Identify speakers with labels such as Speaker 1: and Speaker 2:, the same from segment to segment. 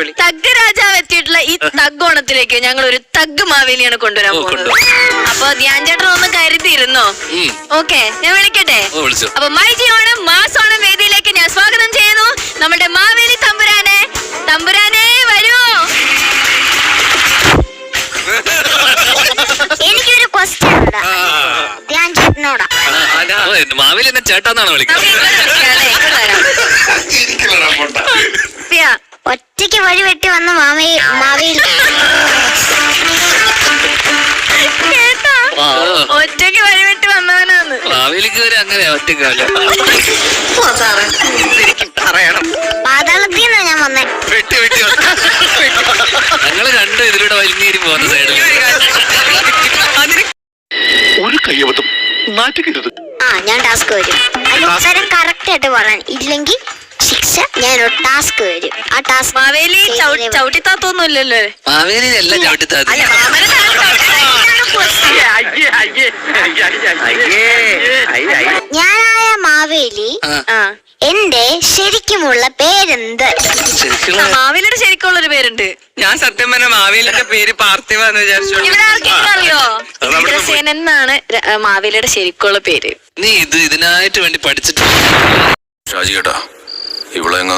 Speaker 1: Thug രാജാവ് എത്തിയിട്ടുള്ള ഈ തഗ് ഓണത്തിലേക്ക് ഞങ്ങൾ ഒരു തഗ് മാവേലിയാണ് കൊണ്ടുവരാൻ പോകുന്നത്. അപ്പൊ ധ്യാൻ ചേട്ടൻ ഒന്ന് കരുതിയിരുന്നോ? ഓക്കെ, ഞാൻ വിളിക്കട്ടെ. അപ്പൊ മൈജി ഓണം മാസ് ഓണം വേദിയിലേക്ക് ഞാൻ സ്വാഗതം ചെയ്യുന്നു നമ്മുടെ മാവേലി തമ്പുരാനെ. തമ്പുരാനെ വരുമോ?
Speaker 2: എനിക്കൊരു ക്വസ്റ്റ്യൻ ഉണ്ട് ധ്യാൻ ചേട്ടനോടാ.
Speaker 3: മാവേലി എന്നെ ചേട്ടാന്നാണ് വിളിക്കുന്നത്.
Speaker 2: ഒറ്റയ്ക്ക് വഴി വെട്ടി വന്ന മാവേലി
Speaker 1: ഒറ്റയ്ക്ക് വഴി വെട്ടി വന്നവനാന്ന്.
Speaker 3: മാവേലിക്ക് വരെ അങ്ങനെ ഒറ്റക്കാലം
Speaker 2: പാതാളത്തിൽ നിന്നാ ഞാൻ വന്നേ.
Speaker 3: ഞങ്ങള് കണ്ടു ഇതിലൂടെ വലിഞ്ഞേരി പോകുന്ന സൈഡിൽ.
Speaker 4: ഒരു കയ്യബദ്ധം നാറ്റുകരുത്.
Speaker 2: ഞാൻ ടാസ്ക് വരും. അതിന് ഉത്തരം കറക്റ്റ് ആയിട്ട് പറയാൻ ഇല്ലെങ്കിൽ ശിക്ഷ. ഞാനൊരു ടാസ്ക് വരും. ആ ടാസ്ക്
Speaker 1: മാവേലി ചവിട്ടിത്താത്തൊന്നും ഇല്ലല്ലോ.
Speaker 3: മാവേലി എല്ലാം ചവിട്ടിത്താത്ത.
Speaker 2: ഞാനായ മാവേലി എന്റെ ശരിക്കുമുള്ള പേരെന്ത്?
Speaker 1: മാവേലിയുടെ ശരിക്കുള്ളൊരു പേരുണ്ട്.
Speaker 5: ഞാൻ സത്യം പറഞ്ഞ മാവേലിന്റെ പേര് പാർത്ഥിവാന്ന് വിചാരിച്ചു.
Speaker 1: ഇവിടെ ആർക്കെങ്കിലും അറിയോ? ഇന്ദ്രസേനൻ എന്നാണ് മാവേലിയുടെ ശരിക്കുള്ള പേര്.
Speaker 3: നീ ഇതിനായിട്ട് വേണ്ടി പഠിച്ചിട്ട് ഷാജി കേട്ടാ ഇവളെങ്ങ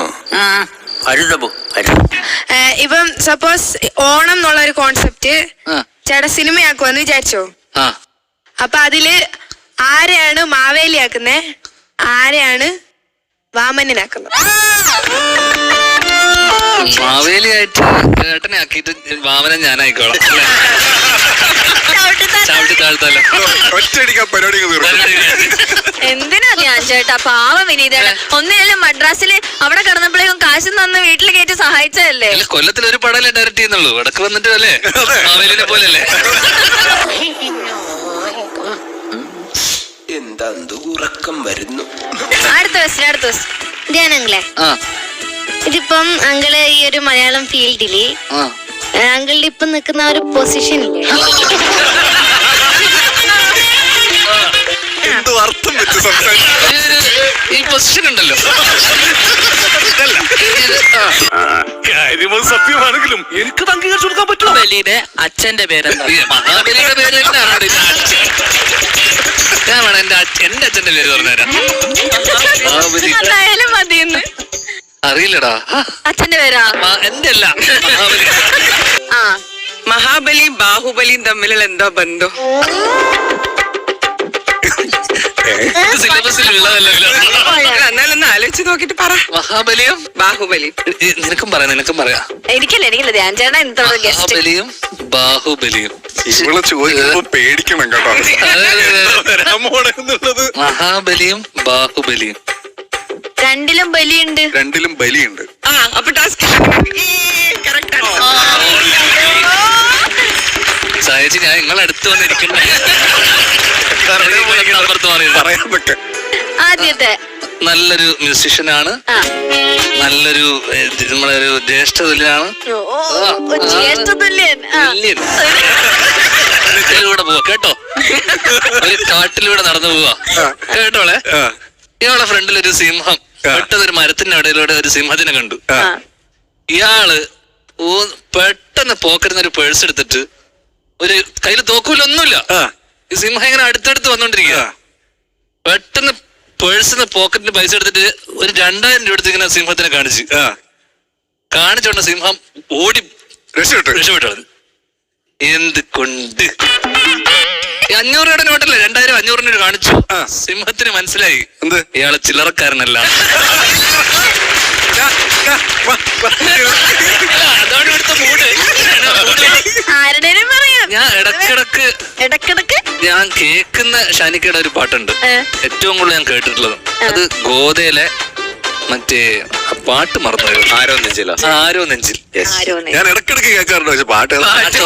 Speaker 6: ഇപ്പം സപ്പോസ് ഓണം എന്നുള്ള ഒരു കോൺസെപ്റ്റ് ചേട്ടാ സിനിമയാക്കുമെന്ന് വിചാരിച്ചോ? അപ്പൊ അതില് ആരെയാണ് മാവേലിയാക്കുന്നേ, ആരെയാണ് വാമനനാക്കുന്നത്?
Speaker 3: മാവേലിയായിട്ട് ഏട്ടനെ ആക്കിയിട്ട് വാമനൻ ഞാനായിക്കോളാം. ചവിട്ടി താഴ്ത്തല്ലോ.
Speaker 1: എന്തിനാ ധ്യാൻ ചേട്ടാ? പാവം വിനീതയുടെ ഒന്നിനല്ലേ മദ്രാസില് അവിടെ കിടന്നപ്പോഴേക്കും കാശ് തന്ന് വീട്ടിൽ കയറ്റി സഹായിച്ചതല്ലേ.
Speaker 3: കൊല്ലത്തിൽ ഒരു പടമല്ലേ ഡയറക്റ്റ് ചെയ്യുന്നുള്ളൂ. ഇടക്ക് വന്നിട്ട് അല്ലേ മാവേലിനെ പോലല്ലേ.
Speaker 7: എന്താ ഉറക്കം വരുന്നു.
Speaker 1: അടുത്ത ദിവസം ധ്യാനങ്ങളെ, ഇതിപ്പം അങ്കിള് ഈ ഒരു മലയാളം ഫീൽഡില് അങ്കിളുടെ ഇപ്പൊ നിൽക്കുന്ന ഒരു പൊസിഷനില്ലേ,
Speaker 3: ഈ പൊസിഷൻ ഉണ്ടല്ലോ,
Speaker 4: സത്യമാണെങ്കിലും എനിക്ക് അംഗീകരിച്ചു കൊടുക്കാൻ പറ്റുമോ?
Speaker 5: ബലിയുടെ അച്ഛന്റെ പേരെന്താ?
Speaker 3: മഹാബലിയുടെ പേര് ഞാൻ വേണം എന്റെ അച്ഛന്റെ പേര് പറഞ്ഞുതരാം.
Speaker 1: എന്തായാലും മതിയെന്ന്.
Speaker 3: അറിയില്ലടാ
Speaker 1: അച്ഛന്റെ പേരാ?
Speaker 3: എന്റെ അല്ല, മഹാബലി.
Speaker 5: മഹാബലിയും ബാഹുബലിയും തമ്മിലുള്ള എന്താ ബന്ധം?
Speaker 3: സിലബസിൽ ഉള്ളതല്ലോ.
Speaker 5: എന്നാലൊന്ന് ആലോചിച്ച് നോക്കിട്ട് പറ.
Speaker 3: മഹാബലിയും
Speaker 5: ബാഹുബലിയും.
Speaker 3: നിനക്കും പറയാം.
Speaker 1: എനിക്കല്ല ധ്യാൻ ചേട്ടാ ഇന്നത്തെ ഗസ്റ്റ്.
Speaker 3: മഹാബലിയും ബാഹുബലിയും.
Speaker 4: ഇവളെ ചോദിക്കുമ്പോ പേടിക്കണം കേട്ടോ.
Speaker 3: മഹാബലിയും ബാഹുബലിയും
Speaker 1: രണ്ടിലും ബലിയുണ്ട്.
Speaker 4: രണ്ടിലും ബലിയുണ്ട്.
Speaker 5: അപ്പൊ ടാസ്ക്
Speaker 3: സായച്ചി ഞാൻ നിങ്ങളടുത്ത് വന്നിരിക്കണ്ടേ.
Speaker 1: ആദ്യത്തെ
Speaker 3: നല്ലൊരു മ്യൂസിഷ്യനാണ്, നല്ലൊരു നമ്മളൊരു ജ്യേഷ്ഠ തുല്യനാണ്. ഇതിലൂടെ പോവാ കേട്ടോ, ഒരു കാട്ടിലൂടെ നടന്നു പോവാ കേട്ടോളെ. ഇയാളെ ഫ്രണ്ടിൽ ഒരു സിംഹം പെട്ടതൊരു മരത്തിന്റെ ഇടയിലൂടെ ഒരു സിംഹത്തിനെ കണ്ടു. ഇയാള് പെട്ടെന്ന് പോക്കറ്റിന്ന് ഒരു പേഴ്സ് എടുത്തിട്ട്, ഒരു കയ്യിൽ തോക്കൂലൊന്നുമില്ല, ഈ സിംഹം ഇങ്ങനെ അടുത്തടുത്ത് വന്നോണ്ടിരിക്കുക. പെട്ടെന്ന് പേഴ്സിന്ന് പോക്കറ്റിന് പൈസ എടുത്തിട്ട് ഒരു 2000 രൂപ എടുത്ത് ഇങ്ങനെ സിംഹത്തിനെ കാണിച്ചോണ്ട സിംഹം ഓടി രക്ഷപ്പെട്ടു. എന്ത് കൊണ്ട് 500 രൂപയുടെ നോട്ടല്ലേ, 2000 500 രൂപ കാണിച്ചു. സിംഹത്തിന് മനസ്സിലായി ഇയാള് ചില്ലറക്കാരനല്ല. അതാണ് ഇവിടുത്തെ മൂഡ്. ഞാൻ ഇടക്കിടക്ക് ഞാൻ കേൾക്കുന്ന ഷാനിക്കയുടെ ഒരു പാട്ടുണ്ട്, ഏറ്റവും കൂടുതൽ ഞാൻ കേട്ടിട്ടുള്ളത്. അത് ഗോതയിലെ മറ്റേ പാട്ട് മറന്നു, ആരോ നെഞ്ചിൽ.
Speaker 4: ഞാൻ ഇടക്കിടക്ക് കേൾക്കാറുണ്ട്, പക്ഷെ പാട്ട്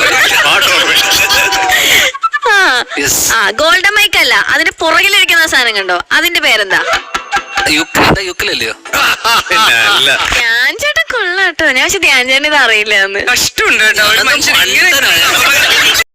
Speaker 1: ഗോൾഡൻ മൈക്ക് അല്ല, അതിന് പുറകിലിരിക്കുന്ന സാധനം കണ്ടോ, അതിന്റെ പേരെന്താ?
Speaker 3: യുക്കലല്ലയോ?
Speaker 1: ധ്യാൻ ചേട്ടൻ കൊള്ളാട്ടോ. ഞാൻ പക്ഷെ ധ്യാൻ ചേട്ടൻ ഇത് അറിയില്ല.
Speaker 5: കഷ്ടമുണ്ട് കേട്ടോ.